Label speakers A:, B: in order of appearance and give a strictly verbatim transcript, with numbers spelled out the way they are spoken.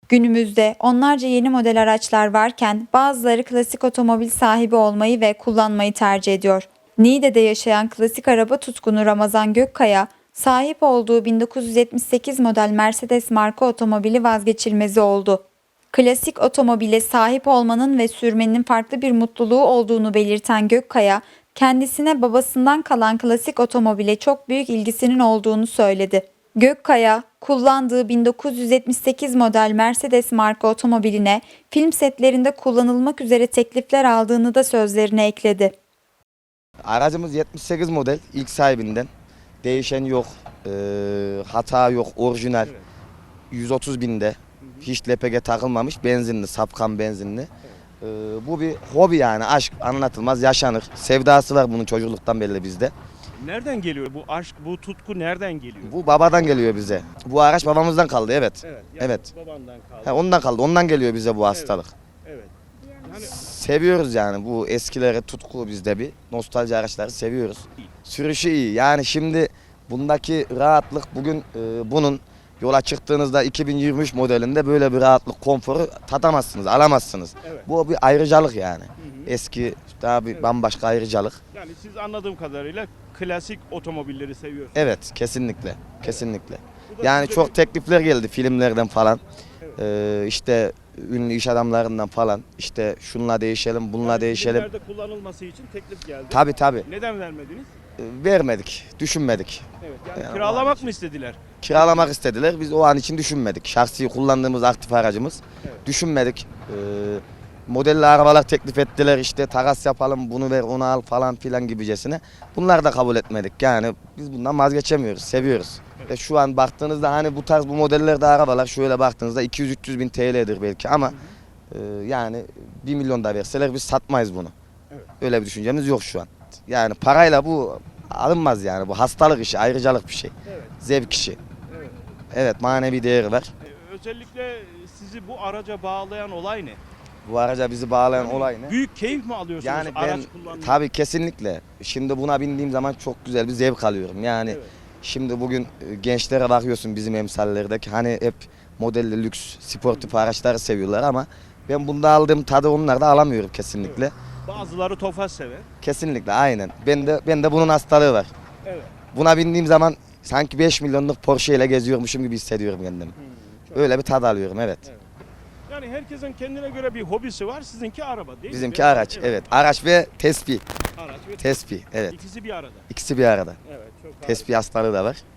A: Günümüzde onlarca yeni model araçlar varken bazıları klasik otomobil sahibi olmayı ve kullanmayı tercih ediyor. Niğde'de yaşayan klasik araba tutkunu Ramazan Gökkaya, sahip olduğu bin dokuz yüz yetmiş sekiz model Mercedes marka otomobili vazgeçilmezi oldu. Klasik otomobile sahip olmanın ve sürmenin farklı bir mutluluğu olduğunu belirten Gökkaya, kendisine babasından kalan klasik otomobile çok büyük ilgisinin olduğunu söyledi. Gökkaya, kullandığı bin dokuz yüz yetmiş sekiz model Mercedes marka otomobiline film setlerinde kullanılmak üzere teklifler aldığını da sözlerine ekledi.
B: Aracımız yetmiş sekiz model, ilk sahibinden. Değişen yok, e, hata yok, orijinal.
C: Evet.
B: yüz otuz binde. Hiç L P G takılmamış, benzinli, sapkan benzinli. E, bu bir hobi yani, aşk anlatılmaz, yaşanır. Sevdası var bunun çocukluktan belli bizde.
C: Nereden geliyor bu aşk, bu tutku nereden geliyor?
B: Bu babadan geliyor bize. Bu araç babamızdan kaldı, evet.
C: Evet.
B: Evet.
C: Babandan kaldı.
B: Ha, ondan kaldı, ondan geliyor bize bu hastalık.
C: Evet. Yani
B: Seviyoruz yani bu eskileri, tutku bizde bir. Nostalji araçları seviyoruz. Sürüşü iyi. Yani şimdi bundaki rahatlık bugün e, bunun yola çıktığınızda iki bin yirmi üç modelinde böyle bir rahatlık, konforu tatamazsınız, alamazsınız.
C: Evet.
B: Bu bir ayrıcalık yani.
C: Hı hı.
B: Eski daha bir
C: Evet.
B: bambaşka ayrıcalık.
C: yani siz anladığım kadarıyla klasik otomobilleri seviyorsunuz.
B: Evet, kesinlikle. Kesinlikle.
C: Bu da
B: Yani
C: size
B: çok
C: bir-
B: teklifler geldi filmlerden falan.
C: Evet.
B: Ee, işte ünlü iş adamlarından falan. İşte şunla değişelim, bununla
C: yani
B: değişelim.
C: filmlerde kullanılması için teklif geldi.
B: Tabii tabii.
C: Neden vermediniz?
B: Ee, Vermedik, düşünmedik.
C: Evet. Yani,
B: Yani
C: kiralamak mı istediler?
B: Kiralamak istediler. Biz o an için düşünmedik. Şahsi kullandığımız aktif aracımız.
C: Evet.
B: Düşünmedik. Ee, modelli arabalar teklif ettiler. İşte takas yapalım, bunu ver, onu al falan filan gibicesine. Bunlar da kabul etmedik. Yani biz bundan vazgeçemiyoruz, seviyoruz.
C: Evet.
B: Ve şu an baktığınızda hani bu tarz bu modellerde arabalar şöyle baktığınızda iki yüz üç yüz bin T L'dir belki ama e, yani bir milyon da verseler biz satmayız bunu.
C: Evet.
B: Öyle bir düşüncemiz yok şu an. Yani parayla bu alınmaz yani. Bu hastalık işi, ayrıcalık bir şey.
C: Evet.
B: Zevk işi.
C: Evet.
B: Evet, manevi değeri var.
C: Ee, özellikle sizi bu araca bağlayan olay ne?
B: Bu araca bizi bağlayan
C: Yani
B: olay ne?
C: Büyük keyif mi alıyorsunuz
B: Yani ben
C: araç kullanmakta?
B: tabii kesinlikle. Şimdi buna bindiğim zaman çok güzel bir zevk alıyorum. Yani
C: Evet.
B: şimdi bugün e, gençlere bakıyorsun bizim emsallerdeki hani hep modelli lüks sportif araçları seviyorlar ama ben bunda aldığım tadı onlar da alamıyorum kesinlikle.
C: Bazıları Tofaş sever.
B: Kesinlikle aynen. Ben de ben de bunun hastalığı var.
C: Evet.
B: Buna bindiğim zaman sanki beş milyonluk Porsche ile geziyormuşum gibi hissediyorum kendimi.
C: Hmm, çok-
B: Öyle bir tad alıyorum, evet.
C: Evet. Yani herkesin kendine göre bir hobisi var. Sizinki araba değil mi?
B: Bizimki
C: Ve-
B: araç, evet. Araç ve tespih.
C: Araç ve
B: Tespih, evet.
C: İkisi bir arada.
B: İkisi bir arada.
C: Evet, çok harika.
B: Tespih hastalığı da var.